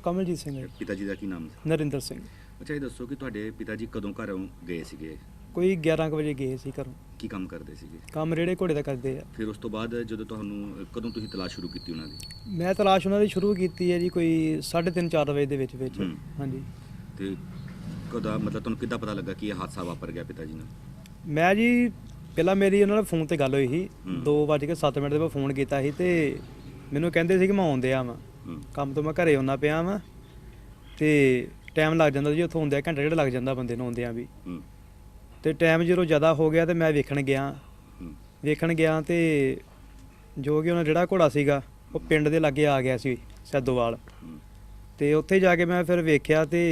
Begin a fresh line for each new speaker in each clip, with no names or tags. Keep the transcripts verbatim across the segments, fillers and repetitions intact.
ਕਮਲਜੀਤ ਸਿੰਘ ਹੈ।
ਪਿਤਾ ਜੀ ਦਾ ਕੀ ਨਾਮ ਸੀ?
ਨਰਿੰਦਰ ਸਿੰਘ।
ਅੱਛਾ, ਇਹ ਦੱਸੋ ਕਿ ਤੁਹਾਡੇ ਪਿਤਾ ਜੀ ਕਦੋਂ ਘਰੋਂ ਗਏ ਸੀਗੇ?
ਕੋਈ ਗਿਆਰਾਂ ਕੁ ਵਜੇ ਗਏ ਸੀ ਘਰੋਂ।
ਕੀ ਕੰਮ ਕਰਦੇ ਸੀਗੇ?
ਕੰਮ ਰੇੜੇ ਘੋੜੇ ਦਾ ਕਰਦੇ ਆ।
ਫਿਰ ਉਸ ਤੋਂ ਬਾਅਦ ਜਦੋਂ ਤੁਹਾਨੂੰ ਕਦੋਂ ਤੁਸੀਂ ਤਲਾਸ਼ ਸ਼ੁਰੂ ਕੀਤੀ ਉਹਨਾਂ ਦੀ?
ਮੈਂ ਤਲਾਸ਼ ਉਹਨਾਂ ਦੀ ਸ਼ੁਰੂ ਕੀਤੀ ਹੈ ਜੀ ਕੋਈ ਸਾਢੇ ਤਿੰਨ ਚਾਰ ਵਜੇ ਦੇ ਵਿੱਚ ਵਿੱਚ।
ਹੂੰ।
ਹਾਂਜੀ।
ਤੇ ਕਦੋਂ ਮਤਲਬ ਤੁਹਾਨੂੰ ਕਿੱਦਾਂ ਪਤਾ ਲੱਗਾ ਕਿ ਇਹ ਹਾਦਸਾ ਵਾਪਰ ਗਿਆ ਪਿਤਾ ਜੀ ਨਾਲ?
ਮੈਂ ਜੀ ਪਹਿਲਾਂ ਮੇਰੀ ਉਹਨਾਂ ਨਾਲ ਫੋਨ ਤੇ ਗੱਲ ਹੋਈ ਸੀ।
ਹੂੰ।
ਦੋ ਵੱਜ ਕੇ ਸੱਤ ਮਿੰਟ ਦੇ ਬਾਅਦ ਫੋਨ ਕੀਤਾ ਸੀ ਤੇ ਮੈਨੂੰ ਕਹਿੰਦੇ ਸੀ ਕਿ ਮੈਂ ਆਉਂਦੇ ਆ ਵਾਂ
ਹੂੰ।
ਕੰਮ ਤੋਂ, ਮੈਂ ਘਰੇ ਆਉਣਾ ਪਿਆ ਵਾਂ ਤੇ ਟਾਈਮ ਲੱਗ ਜਾਂਦਾ ਜੀ, ਉੱਥੋਂ ਆਉਂਦਿਆਂ ਘੰਟਾ ਡੇਢ ਲੱਗ ਜਾਂਦਾ ਬੰਦੇ ਨੂੰ ਆਉਂਦਿਆਂ ਵੀ।
ਹੂੰ।
ਤੇ ਟਾਈਮ ਜਦੋਂ ਜ਼ਿਆਦਾ ਹੋ ਗਿਆ ਤੇ ਮੈਂ ਵੇਖਣ ਗਿਆ
ਹੂੰ।
ਵੇਖਣ ਗਿਆ ਤੇ ਜੋ ਕਿ ਉਹਨਾਂ ਜਿਹੜਾ ਘੋੜਾ ਸੀਗਾ ਉਹ ਪਿੰਡ ਦੇ ਲਾਗੇ ਆ ਗਿਆ ਸੀ ਸੈਦੋਵਾਲ।
ਹੂੰ।
ਤੇ ਉੱਥੇ ਜਾ ਕੇ ਮੈਂ ਫਿਰ ਵੇਖਿਆ ਤੇ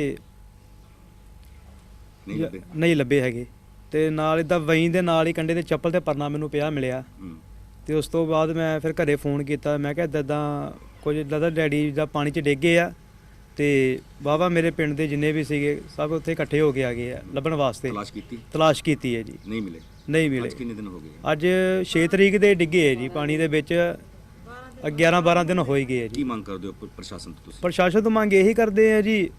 ਨਹੀਂ ਲੱਭੇ?
ਨਹੀਂ ਲੱਭੇ ਹੈਗੇ। ਤੇ ਨਾਲ ਇੱਦਾਂ ਵਹੀਂ ਦੇ ਨਾਲ ਹੀ ਕੰਡੇ ਤੇ ਚੱਪਲ ਤੇ ਪਰਨਾ ਮੈਨੂੰ ਪਿਆ ਮਿਲਿਆ।
ਹੂੰ।
ਤੇ ਉਸ ਤੋਂ ਬਾਅਦ ਮੈਂ ਫਿਰ ਘਰੇ ਫੋਨ ਕੀਤਾ। ਮੈਂ ਕਿਹਾ ਇੱਦਾਂ ਇੱਦਾਂ ਕੁਝ ਦਾਦਾ ਡੈਡੀ ਦਾ ਪਾਣੀ 'ਚ ਡਿੱਗ ਗਏ ਆ ਤੇ ਵਾਹਵਾ ਮੇਰੇ ਪਿੰਡ ਦੇ ਜਿੰਨੇ ਵੀ ਸੀਗੇ ਸਭ ਉੱਥੇ ਇਕੱਠੇ ਹੋ ਕੇ ਆ ਗਏ ਆ ਲੱਭਣ ਵਾਸਤੇ।
ਤਲਾਸ਼ ਕੀਤੀ?
ਤਲਾਸ਼ ਕੀਤੀ ਹੈ ਜੀ।
ਨਹੀਂ ਮਿਲੇ?
ਨਹੀਂ ਮਿਲੇ।
ਅੱਜ ਕਿੰਨੇ ਦਿਨ ਹੋ ਗਏ?
ਅੱਜ ਛੇ ਤਰੀਕ ਦੇ ਡਿੱਗੇ ਹੈ ਜੀ ਪਾਣੀ ਦੇ ਵਿੱਚ। ਗਿਆਰਾਂ ਬਾਰਾਂ ਦਿਨ ਹੋ ਹੀ ਗਏ ਹੈ
ਕੀ
ਜੀ।
ਮੰਗ ਕਰਦੇ ਹੋ ਪ- ਪ੍ਰਸ਼ਾਸਨ ਤੋਂ ਤੁਸੀਂ?
ਪ੍ਰਸ਼ਾਸਨ ਤੋਂ ਮੰਗ ਇਹੀ ਕਰਦੇ ਆ ਜੀ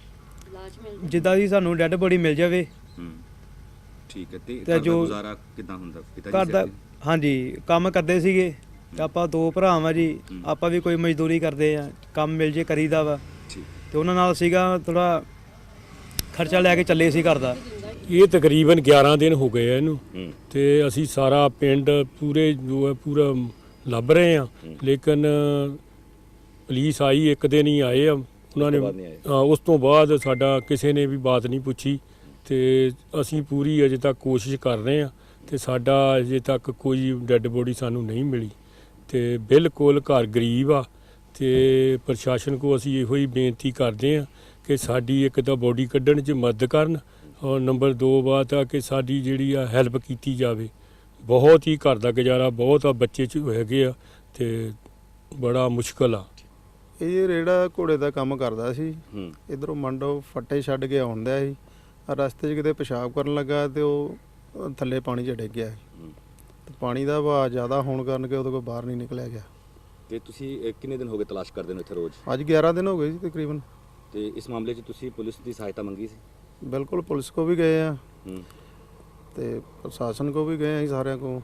ਜਿੱਦਾਂ ਦੀ ਸਾਨੂੰ ਡੈੱਡ ਬੋਡੀ ਮਿਲ ਜਾਵੇ।
ਹੂੰ। ਠੀਕ ਹੈ। ਤੇ
ਤੇ
ਘਰ ਦਾ
ਜੋ
ਗੁਜ਼ਾਰਾ ਕਿੱਦਾਂ ਹੁੰਦਾ ਪਿਤਾ ਜੀ
ਘਰ ਦਾ
ਸਿਰ
ਹਾਂਜੀ ਕੰਮ ਕਰਦੇ ਸੀਗੇ ਤੇ ਆਪਾਂ ਦੋ ਭਰਾ ਵਾਂ ਜੀ।
ਹੂੰ।
ਆਪਾਂ ਵੀ ਕੋਈ ਮਜ਼ਦੂਰੀ ਕਰਦੇ ਆ, ਕੰਮ ਮਿਲ ਜੇ ਕਰੀਦਾ ਵਾ।
ਤੇ? ਠੀਕ।
ਤੇ ਉਹਨਾਂ ਨਾਲ ਸੀਗਾ ਥੋੜਾ ਖਰਚਾ ਲੈ ਕੇ ਚੱਲੇ ਸੀ ਘਰ ਦਾ।
ਇਹ ਤਕਰੀਬਨ ਗਿਆਰਾਂ ਦਿਨ ਹੋ ਗਏ ਆ ਇਹਨੂੰ
ਹੂੰ।
ਤੇ ਅਸੀਂ ਸਾਰਾ ਪਿੰਡ ਪੂਰੇ ਜੋ ਹੈ ਪੂਰਾ ਲੱਭ ਰਹੇ ਆ, ਲੇਕਿਨ ਪੁਲਿਸ ਆਈ ਇੱਕ ਦਿਨ ਹੀ ਆਏ ਆ ਉਹਨਾਂ ਨੇ।
ਉਸ ਤੋਂ ਬਾਅਦ ਨਹੀਂ ਆਏ?
ਹਾਂ, ਉਸ ਤੋਂ ਬਾਅਦ ਸਾਡਾ ਕਿਸੇ ਨੇ ਵੀ ਬਾਤ ਨਹੀਂ ਪੁੱਛੀ ਤੇ ਅਸੀਂ ਪੂਰੀ ਅਜੇ ਤੱਕ ਕੋਸ਼ਿਸ਼ ਕਰ ਰਹੇ ਆ ਤੇ ਸਾਡਾ ਅਜੇ ਤੱਕ ਕੋਈ ਡੈੱਡ ਬੋਡੀ ਸਾਨੂੰ ਨਹੀਂ ਮਿਲੀ ਤੇ ਬਿਲਕੁਲ ਘਰ ਗਰੀਬ ਆ ਤੇ ਪ੍ਰਸ਼ਾਸਨ ਕੋ ਅਸੀਂ ਇਹੋ ਹੀ ਬੇਨਤੀ ਕਰਦੇ ਆ ਕਿ ਸਾਡੀ ਇੱਕ ਤਾਂ ਬੋਡੀ ਕੱਢਣ 'ਚ ਮਦਦ ਕਰਨ ਔਰ ਨੰਬਰ ਦੋ ਬਾਤ ਆ ਕਿ ਸਾਡੀ ਜਿਹੜੀ ਆ ਹੈਲਪ ਕੀਤੀ ਜਾਵੇ। ਬਹੁਤ ਹੀ ਘਰ ਦਾ ਗੁਜ਼ਾਰਾ ਬਹੁਤ ਆ, ਬੱਚੇ 'ਚ ਹੈਗੇ ਆ ਤੇ ਬੜਾ ਮੁਸ਼ਕਲ ਆ।
ਇਹ ਰੇੜਾ ਘੋੜੇ ਦਾ ਕੰਮ ਕਰਦਾ ਸੀ।
ਹੂੰ।
ਇਧਰੋਂ ਮੰਡੋ ਫੱਟੇ ਛੱਡ ਕੇ ਆਉਂਦਾ ਸੀ। ਰਸਤੇ 'ਚ ਕਿਤੇ ਪਿਸ਼ਾਬ ਕਰਨ ਲੱਗਾ ਤੇ ਉਹ ਥੱਲੇ ਪਾਣੀ 'ਚ ਡਿੱਗ ਗਿਆ ਸੀ।
ਹੂੰ।
ਤੇ ਪਾਣੀ ਦਾ ਵਹਾਅ ਜ਼ਿਆਦਾ ਹੋਣ ਕਾਰਨ ਕਿ ਉਹਦੇ ਕੋਲ ਬਾਹਰ ਨਹੀਂ ਨਿਕਲਿਆ ਗਿਆ।
ਤੇ ਤੁਸੀਂ ਅ, ਕਿੰਨੇ ਦਿਨ ਹੋ ਗਏ ਤਲਾਸ਼ ਕਰਦੇ ਨੂੰ ਇੱਥੇ ਰੋਜ਼?
ਅੱਜ ਗਿਆਰਾਂ ਦਿਨ ਹੋ ਗਏ ਜੀ ਤਕਰੀਬਨ।
ਤੇ ਇਸ ਮਾਮਲੇ 'ਚ ਤੁਸੀਂ ਪੁਲਿਸ ਦੀ ਸਹਾਇਤਾ ਮੰਗੀ ਸੀ?
ਬਿਲਕੁਲ ਪੁਲਿਸ ਕੋ ਵੀ ਗਏ ਆ
ਹੂੰ।
ਤੇ ਪ੍ਰਸ਼ਾਸਨ ਕੋ ਵੀ ਗਏ ਆ ਜੀ, ਸਾਰਿਆਂ ਕੋ।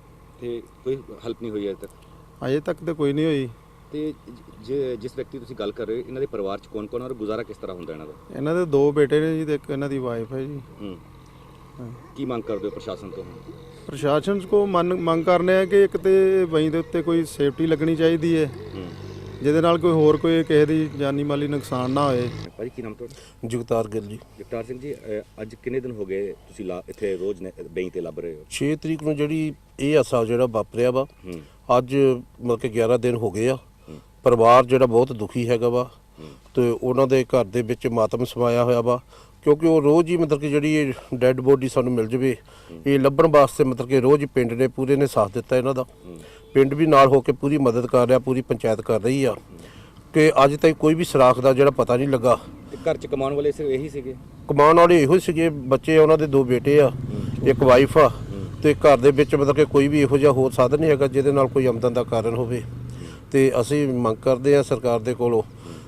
ਤੇ ਕੋਈ ਹੈਲਪ ਨਹੀਂ ਹੋਈ ਅਜੇ ਤੱਕ?
ਅਜੇ ਤੱਕ ਤੇ ਕੋਈ ਨਹੀਂ ਹੋਈ।
ਤੇ ਜੇ ਜਿਸ ਵਿਅਕਤੀ ਤੁਸੀਂ ਗੱਲ ਕਰ ਰਹੇ ਹੋ ਇਹਨਾਂ ਦੇ ਪਰਿਵਾਰ 'ਚ ਕੌਣ ਕੌਣ ਔਰ ਗੁਜ਼ਾਰਾ ਕਿਸ ਤਰ੍ਹਾਂ ਹੁੰਦਾ ਇਹਨਾਂ ਦਾ?
ਇਹਨਾਂ ਦੇ ਦੋ ਬੇਟੇ ਨੇ ਜੀ ਤੇ ਇੱਕ ਇਹਨਾਂ ਦੀ ਵਾਈਫ ਹੈ ਜੀ।
ਹੂੰ।
ਹਾਂ।
ਕੀ ਮੰਗ ਕਰਦੇ ਹੋ ਪ੍ਰਸ਼ਾਸਨ ਤੋਂ?
ਪ੍ਰਸ਼ਾਸਨ ਕੋ ਮੰਨ ਮੰਗ ਕਰਨੇ ਆ ਕਿ ਇੱਕ ਤੇ ਵਹੀਂ ਦੇ ਉੱਤੇ ਕੋਈ ਸੇਫਟੀ ਲੱਗਣੀ ਚਾਹੀਦੀ ਹੈ
ਹੂੰ।
ਜਿਹਦੇ ਨਾਲ ਕੋਈ ਹੋਰ ਕੋਈ ਕਿਸੇ ਦੀ ਜਾਨੀ ਮਾਲੀ ਨੁਕਸਾਨ ਨਾ ਹੋਏ।
ਭਾਜੀ ਕੀ ਨਾਮ ਤੁਹਾਡਾ?
ਜਗਤਾਰ ਗਿੱਲ ਜੀ।
ਜਗਤਾਰ ਸਿੰਘ ਜੀ, ਅ, ਅੱਜ ਕਿੰਨੇ ਦਿਨ ਹੋ ਗਏ ਤੁਸੀਂ ਲਾ- ਇੱਥੇ ਰੋਜ਼ ਬੈਂ ਤੇ ਲੱਭ ਰਹੇ ਹੋ?
ਛੇ ਤਰੀਕ ਨੂੰ ਜਿਹੜੀ ਇਹ ਹਾਦਸਾ ਜਿਹੜਾ ਵਾਪਰਿਆ ਵਾ,
ਹੂੰ।
ਅੱਜ ਮਤਲਬ ਕਿ ਗਿਆਰਾਂ ਦਿਨ ਹੋ ਗਏ ਆ।
ਹੂੰ।
ਪਰਿਵਾਰ ਜਿਹੜਾ ਬਹੁਤ ਦੁਖੀ ਹੈਗਾ ਵਾ
ਹੂੰ।
ਤੇ ਉਹਨਾਂ ਦੇ ਘਰ ਦੇ ਵਿੱਚ ਮਾਤਮ ਸਮਾਇਆ ਹੋਇਆ ਵਾ ਕਿਉਂਕਿ ਉਹ ਰੋਜ਼ ਹੀ ਮਤਲਬ ਕਿ ਜਿਹੜੀ ਇਹ ਡੈੱਡ ਬੋਡੀ ਸਾਨੂੰ ਮਿਲ ਜਵੇ ਇਹ ਲੱਭਣ ਵਾਸਤੇ ਮਤਲਬ ਕਿ ਰੋਜ਼ ਹੀ ਪਿੰਡ ਨੇ ਪੂਰੇ ਨੇ ਸਾਥ ਦਿੱਤਾ ਇਹਨਾਂ ਦਾ।
ਹੂੰ।
ਪਿੰਡ ਵੀ ਨਾਲ ਹੋ ਕੇ ਪੂਰੀ ਮਦਦ ਕਰ ਰਿਹਾ, ਪੂਰੀ ਪੰਚਾਇਤ ਕਰ ਰਹੀ ਆ ਕਿ ਅੱਜ ਤੱਕ ਕੋਈ ਵੀ ਸੁਰਾਖ ਦਾ ਜਿਹੜਾ ਪਤਾ ਨਹੀਂ ਲੱਗਾ।
ਤੇ ਘਰ 'ਚ ਕਮਾਉਣ ਵਾਲੇ ਸਿਰਫ ਇਹੀ ਸੀਗੇ?
ਕਮਾਉਣ ਵਾਲੇ ਇਹੋ ਹੀ ਸੀਗੇ, ਬੱਚੇ ਉਹਨਾਂ ਦੇ ਦੋ ਬੇਟੇ ਆ, ਇੱਕ ਵਾਈਫ ਆ ਤੇ ਘਰ ਦੇ ਵਿੱਚ ਮਤਲਬ ਕਿ ਕੋਈ ਵੀ ਇਹੋ ਜਿਹਾ ਹੋਰ ਸਾਧਨ ਨਹੀਂ ਹੈਗਾ ਜਿਹਦੇ ਨਾਲ ਕੋਈ ਆਮਦਨ ਦਾ ਕਾਰਨ ਹੋਵੇ। ਤੇ ਅਸੀਂ ਮੰਗ ਕਰਦੇ ਆ ਸਰਕਾਰ ਦੇ ਕੋਲੋਂ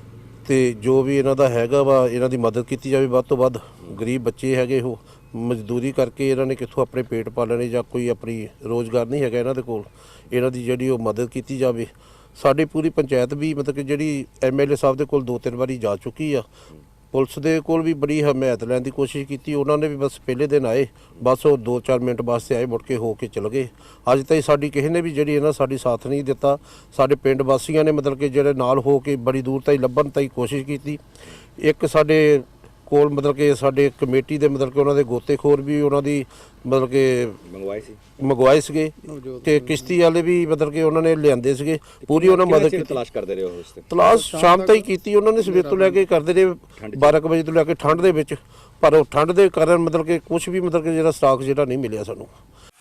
ਤੇ ਜੋ ਵੀ ਇਹਨਾਂ ਦਾ ਹੈਗਾ ਵਾ ਇਹਨਾਂ ਦੀ ਮਦਦ ਕੀਤੀ ਜਾਵੇ ਵੱਧ ਤੋਂ ਵੱਧ। ਗਰੀਬ ਬੱਚੇ ਹੈਗੇ ਉਹ ਮਜ਼ਦੂਰੀ ਕਰਕੇ ਇਹਨਾਂ ਨੇ ਕਿੱਥੋਂ ਆਪਣੇ ਪੇਟ ਪਾਲਣੇ ਜਾਂ ਕੋਈ ਆਪਣੀ ਰੋਜ਼ਗਾਰ ਨਹੀਂ ਹੈਗਾ ਇਹਨਾਂ ਦੇ ਕੋਲ। ਇਹਨਾਂ ਦੀ ਜਿਹੜੀ ਉਹ ਮਦਦ ਕੀਤੀ ਜਾਵੇ। ਸਾਡੀ ਪੂਰੀ ਪੰਚਾਇਤ ਵੀ ਮਤਲਬ ਕਿ ਜਿਹੜੀ ਐਮ ਐਲ ਏ ਸਾਹਿਬ ਦੇ ਕੋਲ ਦੋ ਤਿੰਨ ਵਾਰੀ ਜਾ ਚੁੱਕੀ ਆ। ਪੁਲਿਸ ਦੇ ਕੋਲ ਵੀ ਬੜੀ ਹਮਾਇਤ ਲੈਣ ਦੀ ਕੋਸ਼ਿਸ਼ ਕੀਤੀ, ਉਹਨਾਂ ਨੇ ਵੀ ਬਸ ਪਹਿਲੇ ਦਿਨ ਆਏ, ਬਸ ਉਹ ਦੋ ਚਾਰ ਮਿੰਟ ਵਾਸਤੇ ਆਏ, ਮੁੜ ਕੇ ਹੋ ਕੇ ਚਲੇ ਗਏ। ਅੱਜ ਤਾਈਂ ਸਾਡੀ ਕਿਸੇ ਨੇ ਵੀ ਜਿਹੜੀ ਇਹਨਾਂ ਸਾਡੀ ਸਾਥ ਨਹੀਂ ਦਿੱਤਾ। ਸਾਡੇ ਪਿੰਡ ਵਾਸੀਆਂ ਨੇ ਮਤਲਬ ਕਿ ਜਿਹੜੇ ਨਾਲ ਹੋ ਕੇ ਬੜੀ ਦੂਰ ਤਾਈਂ ਲੱਭਣ ਤਾਈਂ ਕੋਸ਼ਿਸ਼ ਕੀਤੀ। ਇੱਕ ਸਾਡੇ ਕੋਲ ਮਤਲਬ ਕਿ ਸਾਡੇ ਕਮੇਟੀ ਦੇ ਮਤਲਬ ਕਿ ਉਹਨਾਂ ਦੇ ਗੋਤੇਖੋਰ ਵੀ ਉਹਨਾਂ ਦੀ ਮਤਲਬ ਕਿ
ਮੰਗਵਾਏ ਸੀ
ਮੰਗਵਾਏ ਸੀਗੇ ਤੇ ਕਿਸ਼ਤੀ ਵਾਲੇ ਵੀ ਮਤਲਬ ਕਿ ਉਹਨਾਂ ਨੇ ਲਿਆਂਦੇ ਸੀਗੇ, ਪੂਰੀ ਉਹਨਾਂ ਮਦਦ ਕੀਤੀ।
ਤਲਾਸ਼ ਕਰਦੇ ਰਹੇ ਹੋ ਉਸ ਤੇ?
ਤਲਾਸ਼ ਸ਼ਾਮ ਤਾਈਂ ਕੀਤੀ ਉਹਨਾਂ ਨੇ, ਸਵੇਰ ਤੋਂ ਲੈ ਕੇ ਕਰਦੇ ਰਹੇ ਬਾਰਾਂ ਕੁ ਵਜੇ ਤੋਂ ਲੈ ਕੇ ਠੰਡ ਦੇ ਵਿੱਚ, ਪਰ ਉਹ ਠੰਡ ਦੇ ਕਾਰਨ ਮਤਲਬ ਕਿ ਕੁਝ ਵੀ ਮਤਲਬ ਕਿ ਜਿਹੜਾ ਸਟਾਕ ਜਿਹੜਾ ਨਹੀਂ ਮਿਲਿਆ ਸਾਨੂੰ।